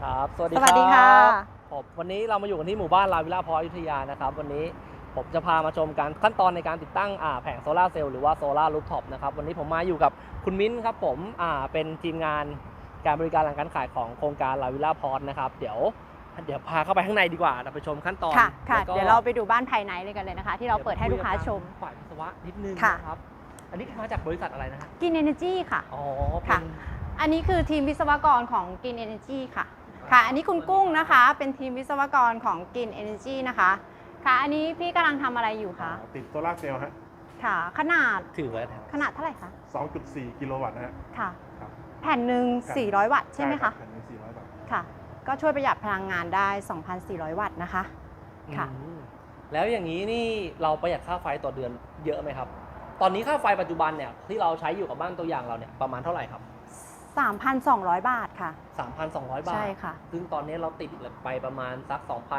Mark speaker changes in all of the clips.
Speaker 1: ครับสวัสดี
Speaker 2: สวัสดีค่ะ
Speaker 1: ผมวันนี้เรามาอยู่กันที่หมู่บ้านลาวิลล่าพออยุธยานะครับวันนี้ผมจะพามาชมการขั้นตอนในการติดตั้งแผงโซลาร์เซลล์หรือว่าโซลาร์รูฟท็อปนะครับวันนี้ผมมาอยู่กับคุณมิ้นครับผมเป็นทีมงานการบริการหลังการขายของโครงการลาวิลล่าพอนะครับเดี๋ยวพาเข้าไปข้างในดีกว่าเราไปชมขั้นตอน
Speaker 2: ค่ะเดี๋ยวเราไปดูบ้านภายในเลยกันเลยนะคะที่เราเปิดให้ลูกค้าชม
Speaker 1: ฝ่ายวิศวะนิดนึงนะครับอันนี้มาจากบริษัทอะไรนะฮะ
Speaker 2: Green Energy ค่ะ
Speaker 1: อ๋อ
Speaker 2: ค่ะอันนี้คือทีมวิศวกรของ Green Energy ค่ะอันนี้คุณกุ้งนะคะเป็นทีมวิศวกรของ Green Energy นะคะค่ะอันนี้พี่กำลังทำอะไรอยู่คะ
Speaker 3: ติดโซลาร์เซลล์ฮะ
Speaker 2: ค่ะขนาด
Speaker 1: ถือไว้
Speaker 2: ขนาดเท่าไหร่คะ
Speaker 3: 2.4 กิโลวัตต์นะฮะ
Speaker 2: ค่ะ
Speaker 3: ครับ
Speaker 2: แผ่นหนึ่ง400 วัตต์ใช่ไหมคะ
Speaker 3: แผ่นหนึ่ง400 วัตต์
Speaker 2: ค่ะก็ช่วยประหยัดพลังงานได้ 2,400 วัตต์นะคะค่ะ
Speaker 1: แล้วอย่างนี้นี่เราประหยัดค่าไฟต่อเดือนเยอะไหมครับตอนนี้ค่าไฟปัจจุบันเนี่ยที่เราใช้อยู่กับบ้านตัวอย่างเราเนี่ยประมาณเท่าไหร่ครับ
Speaker 2: 3,200 บาทค่ะ
Speaker 1: 3,200 บาท
Speaker 2: ใช่ค่ะ
Speaker 1: ซึ่งตอนนี้เราติดไปประมาณสัก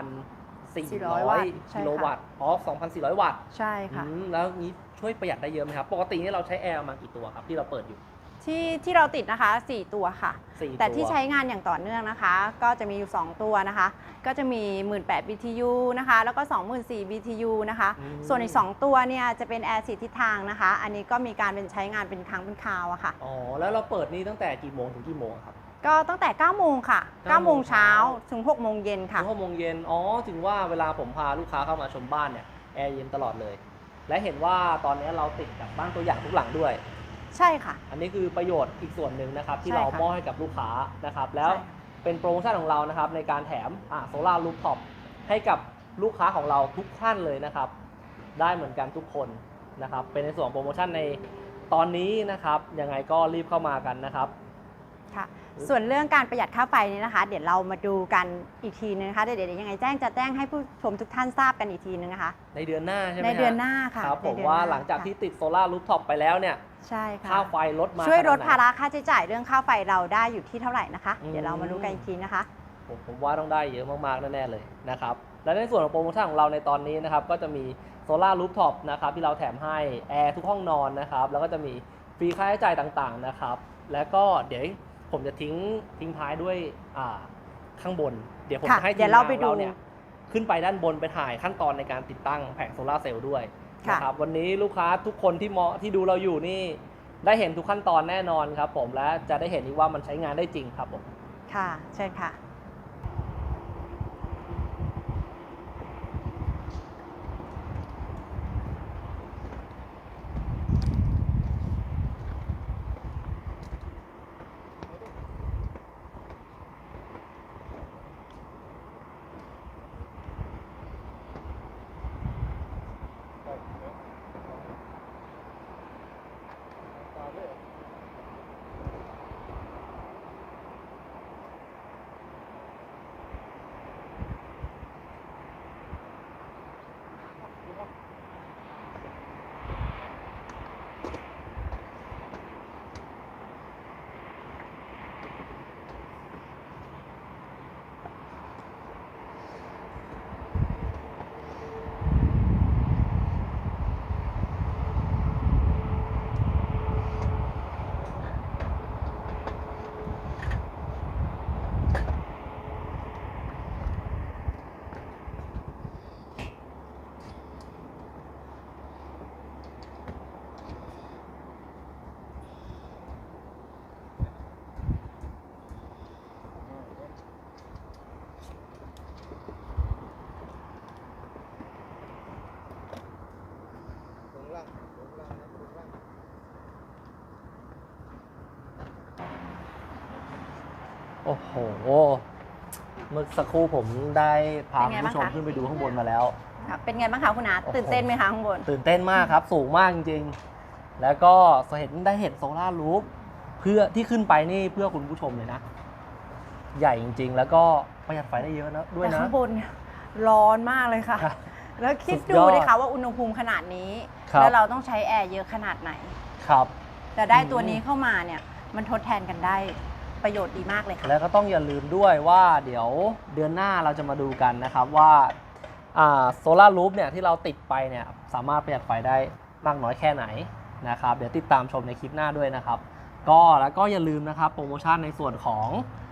Speaker 2: 400 วัตต์
Speaker 1: กิโลวัตต์2,400 วัตต์
Speaker 2: ใช่ค่ะ
Speaker 1: แล้วนี้ช่วยประหยัดได้เยอะไหมครับปกตินี่เราใช้แอร์มากี่ตัวครับที่เราเปิดอยู่
Speaker 2: ที่เราติดนะคะ4ตัวค่ะแต่ที่ใช้งานอย่างต่อเนื่องนะคะก็จะมีอยู่2ตัวนะคะก็จะมี 18,000 BTU นะคะแล้วก็ 24,000 BTU นะคะส่วนอีก2ตัวเนี่ยจะเป็นแอร์4ทิศทางนะคะอันนี้ก็มีการเป็นใช้งานเป็นครั้งเป็นคราวอะค่ะ
Speaker 1: อ๋อแล้วเราเปิดนี่ตั้งแต่กี่โมงถึงกี่โมงครับ
Speaker 2: ก็ตั้งแต่9โมงค่ะ9โมงเช้าถึง6โมงเย็นค่ะ
Speaker 1: ถึง6โมงเย็นอ๋อถึงว่าเวลาผมพาลูกค้าเข้ามาชมบ้านเนี่ยแอร์เย็นตลอดเลยและเห็นว่าตอนนี้เราติดกับบ้านตัวอย่างทุกหลังด้วย
Speaker 2: ใช่ค่ะ
Speaker 1: อันนี้คือประโยชน์อีกส่วนหนึ่งนะครับที่เรามอบให้กับลูกค้านะครับแล้วเป็นโปรโมชั่นของเรานะครับในการแถมโซลาร์รูฟท็อปให้กับลูกค้าของเราทุกท่านเลยนะครับได้เหมือนกันทุกคนนะครับเป็นในส่วนโปรโมชั่นในตอนนี้นะครับยังไงก็รีบเข้ามากันนะครับ
Speaker 2: ค่ะส่วนเรื่องการประหยัดค่าไฟนี้นะคะเดี๋ยวเรามาดูกันอีกทีนึงนะคะเดี๋ยวยังไงจะแจ้งให้ผู้ชมทุกท่านทราบกันอีกทีนึงนะคะ
Speaker 1: ในเดือนหน้าใช่ไหม
Speaker 2: ในเดือนหน้าค่ะ
Speaker 1: ครับผมว่าหลังจากที่ติดโซลาร์รูฟท็อปไปแล้วเนี่ย
Speaker 2: ใช่ค่ะ
Speaker 1: ค่าไฟลดมา
Speaker 2: ช่วยลดภาระค่าใช้จ่ายเรื่องค่าไฟเราได้อยู่ที่เท่าไหร่นะคะเดี๋ยวเรามาดูกันอีกทีนะคะ
Speaker 1: ผมว่าต้องได้เยอะมากๆแน่ๆเลยนะครับและในส่วนของโปรโมชั่นของเราในตอนนี้นะครับก็จะมีโซลาร์รูฟท็อปนะครับที่เราแถมให้แอร์ทุกห้องนอนนะครับแล้วก็จะมีฟรีค่าใช้จ่ายต่างๆนะครับแล้วก็เดี๋ยวผมจะทิ้งท้ายด้วยข้างบนเดี๋ยวผมจะให้ทีมงานเราเนี่ยขึ้นไปด้านบนไปถ่ายขั้นตอนในการติดตั้งแผงโซลาร์เซลล์ด้วยนะครับวันนี้ลูกค้าทุกคนที่ดูเราอยู่นี่ได้เห็นทุกขั้นตอนแน่นอนครับผมและจะได้เห็นอีกว่ามันใช้งานได้จริงครับผม
Speaker 2: ค่ะเชิญค่ะ
Speaker 1: โอ้โหเมื่อสักครู่ผมได้พาคุณผู้ชมขึ้นไปดูข้างบนมาแล้ว
Speaker 2: เป็นไงบ้างคะคุณอาตื่นเต้นไหมคะข้างบน
Speaker 1: ตื่นเต้นมากครับสูงมากจริงๆแล้วก็ได้เห็นโซลาร์รูฟเพื่อที่ขึ้นไปนี่เพื่อคุณผู้ชมเลยนะใหญ่จริงๆแล้วก็ประหยัดไฟได้เยอะนะด้วยนะ
Speaker 2: แต่ข้างบนร้อนมากเลยค่ะแล้วคิดดูดิค่ะว่าอุณหภูมิขนาดนี้แล้วเราต้องใช้แอร์เยอะขนาดไหน
Speaker 1: ครับ
Speaker 2: แต่ได้ตัวนี้เข้ามาเนี่ยมันทดแทนกันได้ประโยชน์ดีมากเลยค่ะ
Speaker 1: แล้วก็ต้องอย่าลืมด้วยว่าเดี๋ยวเดือนหน้าเราจะมาดูกันนะครับว่าโซลาร์รูฟเนี่ยที่เราติดไปเนี่ยสามารถประหยัดไฟได้มากน้อยแค่ไหนนะครับเดี๋ยวติดตามชมในคลิปหน้าด้วยนะครับแล้วก็อย่าลืมนะครับโปรโมชั่นในส่วนของ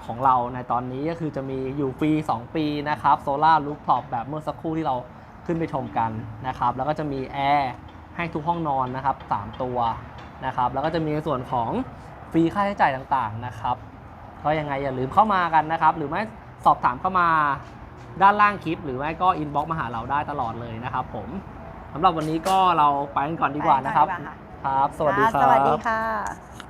Speaker 1: ของเราในตอนนี้ก็คือจะมีอยู่ฟรี2 ปีนะครับโซล่ารูฟท็อปแบบเมื่อสักครู่ที่เราขึ้นไปชมกันนะครับแล้วก็จะมีแอร์ให้ทุกห้องนอนนะครับ3 ตัวนะครับแล้วก็จะมีในส่วนของฟรีค่าใช้จ่ายต่างๆนะครับก็ยังไงอย่าลืมเข้ามากันนะครับหรือไม่สอบถามเข้ามาด้านล่างคลิปหรือไม่ก็อินบ็อกซ์มาหาเราได้ตลอดเลยนะครับผมสำหรับวันนี้ก็เราไปกันก่อนดีกว่านะครับ
Speaker 2: ไปกันก่อนดีกว่าค่ะ
Speaker 1: ครับสวัสดีครับ
Speaker 2: สวัสดีค่ะ